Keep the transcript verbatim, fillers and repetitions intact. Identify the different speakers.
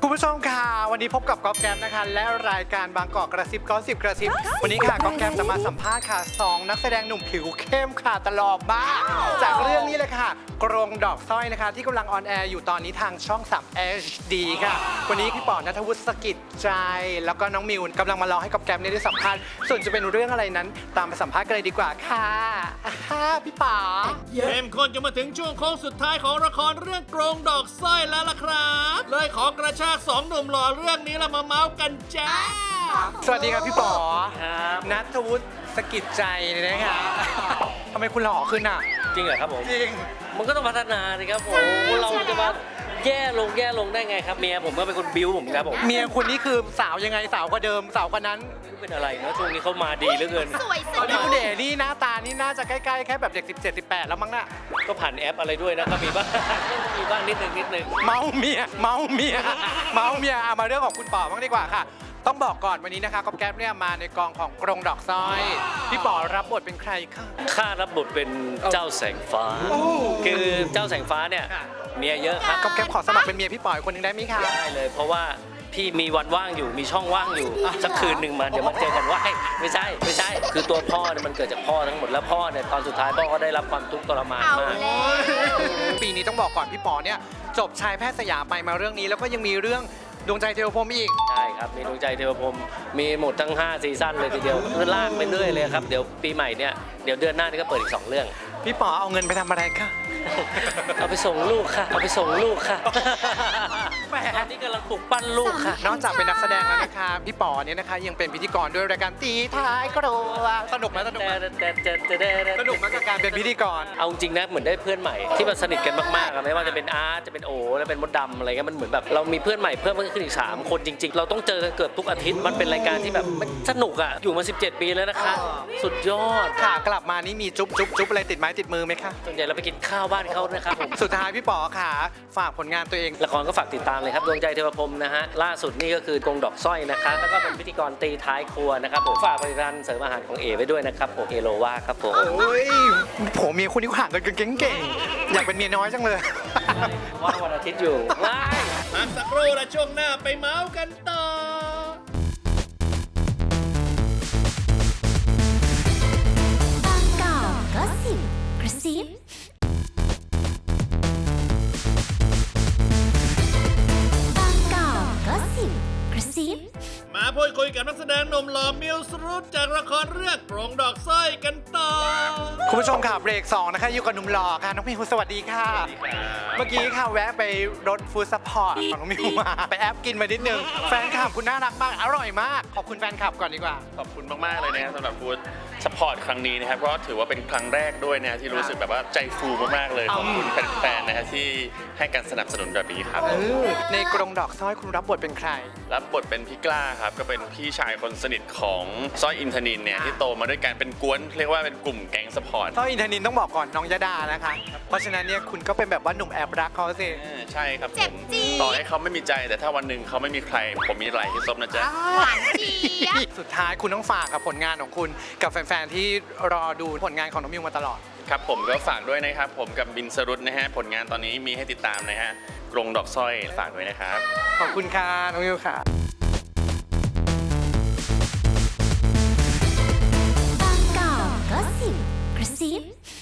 Speaker 1: คุณผู้ชมค่ะวันนี้พบกับก๊อฟแกมนะคะและรายการบางกอกกระซิบก๊อฟสิบกระซิบวันนี้ค่ะก๊อฟแกมจะมาสัมภาษณ์ค่ะสองนักแสดงหนุ่มผิวเข้มค่ะตลอดบ้าจากเรื่องนี้เลยค่ะกรงดอกสร้อยนะคะที่กำลังออนแอร์อยู่ตอนนี้ทางช่องสาม เอช ดี ค่ะวันนี้พี่ป๋อณัฐวุฒิสกิจใจแล้วก็น้องมิวกำลังมารอให้ก๊อฟแกมได้สัมภาษณ์ส่วนจะเป็นเรื่องอะไรนั้นตามไปสัมภาษณ์กันเลยดีกว่าค่ะพี่ป๋อ
Speaker 2: เข้มข้นจะมาถึงช่วงโค้งสุดท้ายของละครเรื่องกรงดอกสร้อยแล้วล่ะครับเลยขอกระชากสองหนุ่มหล่อเรื่องนี้ละมาเมาส์กันจ้า
Speaker 1: สวัสดีครับพี่ป๋อ
Speaker 3: ครับ
Speaker 1: ณัฐวุฒิสกิจใจเลยนะคะทำไมคุณหล่อขึ้นอ่ะ
Speaker 3: จริงเหรอครับผม
Speaker 1: จริง
Speaker 3: มันก็ต้องพัฒนาสิครับผมเราจะมาแย่ลงแย่ลงได้ไงครับเมียผมก็เป็นคนบิ้วผมครับผม
Speaker 1: เมียคุณนี่คือสาวยังไงสาวกว่าเดิมสาวกว่านั้น
Speaker 3: เป็นอะไรเนาะช่วงนี้เขามาดีเหลือเกิน
Speaker 4: สวยสุ
Speaker 1: ตอ
Speaker 4: ด
Speaker 1: นนี้คุณเด๋นี่หน้าตานี่น่าจะใกล้ๆแค่แบบเด็กสิบเจ็ด สิบแปดแล้วมั้งน่ะ
Speaker 3: ก็ผ่านแอปอะไรด้วยนะก็มีบ้าง ก็มีบ้างนิดนึงนิดนึง
Speaker 1: เมาเมียเมาเมียเมาเมียเอามาเรื่องของคุณป๋อบ้างดีกว่าค่ะต้องบอกก่อนวันนี้นะคะก๊อฟแก๊ปเนี่ยมาในกองของกรงดอกสร้อยพี่ป๋อรับบทเป็นใครคะ
Speaker 3: ข้ารับบทเป็นเจ้าแสงฟ้า คือเจ้าแสงฟ้าเนี่ยเมียเยอะครับ
Speaker 1: ก๊อฟแก๊ปขอสมัครเป็นเมียพี่ป๋อคนหนึงได้ไหมคะ
Speaker 3: ได้เลย เพราะว่าพี่มีวันว่างอยู่มีช่องว่างอยู่สักคืนหนึ่งมาเดี๋ยวมาเจอกันว่าไม่ใช่ไม่ใช่ คือตัวพ่อเนี่ยมันเกิดจากพ่อทั้งหมดแล้วพ่อเนี่ยตอนสุดท้ายพ่อก็ได้รับความทุกข์ทรมาน
Speaker 4: เอา
Speaker 3: มาก
Speaker 4: แล้ว
Speaker 1: ปีนี้ต้องบอกก่อนพี่ป๋อเนี่ยจบชายแพทย์สยามไปมาเรื่องนี้แล้วก็ยังมีเรื่องดวงใจเทวพรหมอีก
Speaker 3: ใช่ครับ มีดวงใจเทวพรหมมีหมดทั้งห้าซีซั่นเลยทีเดียวคือลากไปเรื่อยเลยครับ เดี๋ยวปีใหม่เนี่ย เดี๋ยวเดือนหน้านี่ก็เปิดอีกสองเรื่อง
Speaker 1: พี่ป๋อเอาเงินไปทำอะไรคะ
Speaker 3: เอาไปส่งลูกค่ะ เอาไปส่งลูกค่ะตอนนี้กำลังปลุกปั้นลูกค่ะ
Speaker 1: นอกจากเป็นนักแสดงแล้วนะคะพี่ป๋อเนี่ยนะคะยังเป็นพิธีกรด้วยรายการตีท้ายครัวสนุกไหมสนุกไหม
Speaker 3: แต่แต่แต่แต่แต่
Speaker 1: สนุกไหมกับการเป็นพิธีกร
Speaker 3: เอาจริงนะเหมือนได้เพื่อนใหม่ที่มันสนิทกันมากๆอะไม่ว่าจะเป็นอาร์ตจะเป็นโอและเป็นมดดำอะไรเงี้ยมันเหมือนแบบเรามีเพื่อนใหม่เพิ่มขึ้นอีกสามคนจริงๆ เราต้องเจอกันเกือบทุกอาทิตย์มันเป็นรายการที่แบบมันสนุกอ่ะอยู่มาสิบเจ็ดปีแล้วนะคะสุดยอด
Speaker 1: ค่ะกลับมานี่มีจุ๊บจุ๊บจุ๊บอะไรติดไม้ติดมือไหมคะ
Speaker 3: ส่วนใหญ่เราไปกินข้าวบ้านเขานะครับผม
Speaker 1: สุดท้ายพี่ป๋อค่ะฝากผลงานตัวเอง
Speaker 3: ละครก็ฝากติดตามเลยครับดวงใจเทวพรหมนะฮะล่าสุดนี่ก็คือกรงดอกสร้อยนะคะแล้วก็เป็นพิธีกรตีท้ายครัวนะครับผมฝากผลิตภัณฑ์เสริมอาหารของเอไว้ด้วยนะครับผมเอโลวาครับผม
Speaker 1: โอ้ยผมเมียคุณนี่ห่างกันเก่งๆอยากเป็นเมียน้อยจังเลย
Speaker 3: ว่างวันอาทิตย์อยู่ว้าย
Speaker 2: พักสักครู่และช่วงหน้าไปเมาส์กันต่อ
Speaker 4: บางกอกก็สิบกระซิบางกอกก็สิบกระซิบ
Speaker 2: มาพูดคุยกับนักแสดงหนุ่มหล่อมิวส์รุตจากละครเรื่องกรงดอกสร้อยกันต่อ
Speaker 1: คุณผู้ชมค่ะเบรกสองนะคะอยู่กับหนุ่มหล่อค่ะน้องมิวสวัสดีค่ะ เมื่อกี้ค่ะแวะไปรถฟู้ดซัพพอร์ตของน้องมิวมาไปแอปกินมานิดนึงแฟนคลับคุณน่ารักมากอร่อยมากขอบคุณแฟนคลับก่อนดีกว่า
Speaker 5: ขอบคุณมาก ๆ เลยนะครับสำหรับฟู้ดสปอร์ตครั้งนี้นะครับเพราะถือว่าเป็นครั้งแรกด้วยนะที่รู้สึกแบบว่าใจฟูมาก ๆ เลยขอบคุณแฟน ๆ นะฮะที่ให้การสนับสนุนแบบนี้ครับ
Speaker 1: เออในกรงดอกสร้อยคุณรับบทเป็นใคร
Speaker 5: รับบทเป็นพี่กล้าครับก็เป็นพี่ชายคนสนิทของสร้อยอินทนินเนี่ยที่โตมาด้วยกันเป็นกวนเรียกว่าเป็นกลุ่มแก๊งสปอร์ต
Speaker 1: สร้อยอินทนินต้องบอกก่อนน้องยดานะคะ เพราะฉะนั้นเนี่ยคุณก็เป็นแบบว่าหนุ่มแอบรักเขาสิ
Speaker 5: เออใช่ครับผ
Speaker 4: เจ็บ
Speaker 5: ม
Speaker 4: จี๊ด
Speaker 5: ต่อให้เขาไม่มีใจแต่ถ้าวันหนึ่งเขาไม่มีใคร ผมมีไหลให้ซบนะจ๊ะ
Speaker 4: หวานเจี๊ยบ
Speaker 1: สุดท้ายคุณต้องฝากกับผลงานของคุณกับแฟนๆที่รอดูผลงานของน้องมิวมาตลอด
Speaker 5: ครับผมก็ฝากด้วยนะครับผมกับบินสรุตนะฮะผลงานตอนนี้มีให้ติดตามนะฮะกรงดอกสร้อยฝากด้วยนะครับ
Speaker 1: ขอบคุณค่ะน้องมิวค่ะ
Speaker 4: บางกอกก็สิบกระซิบ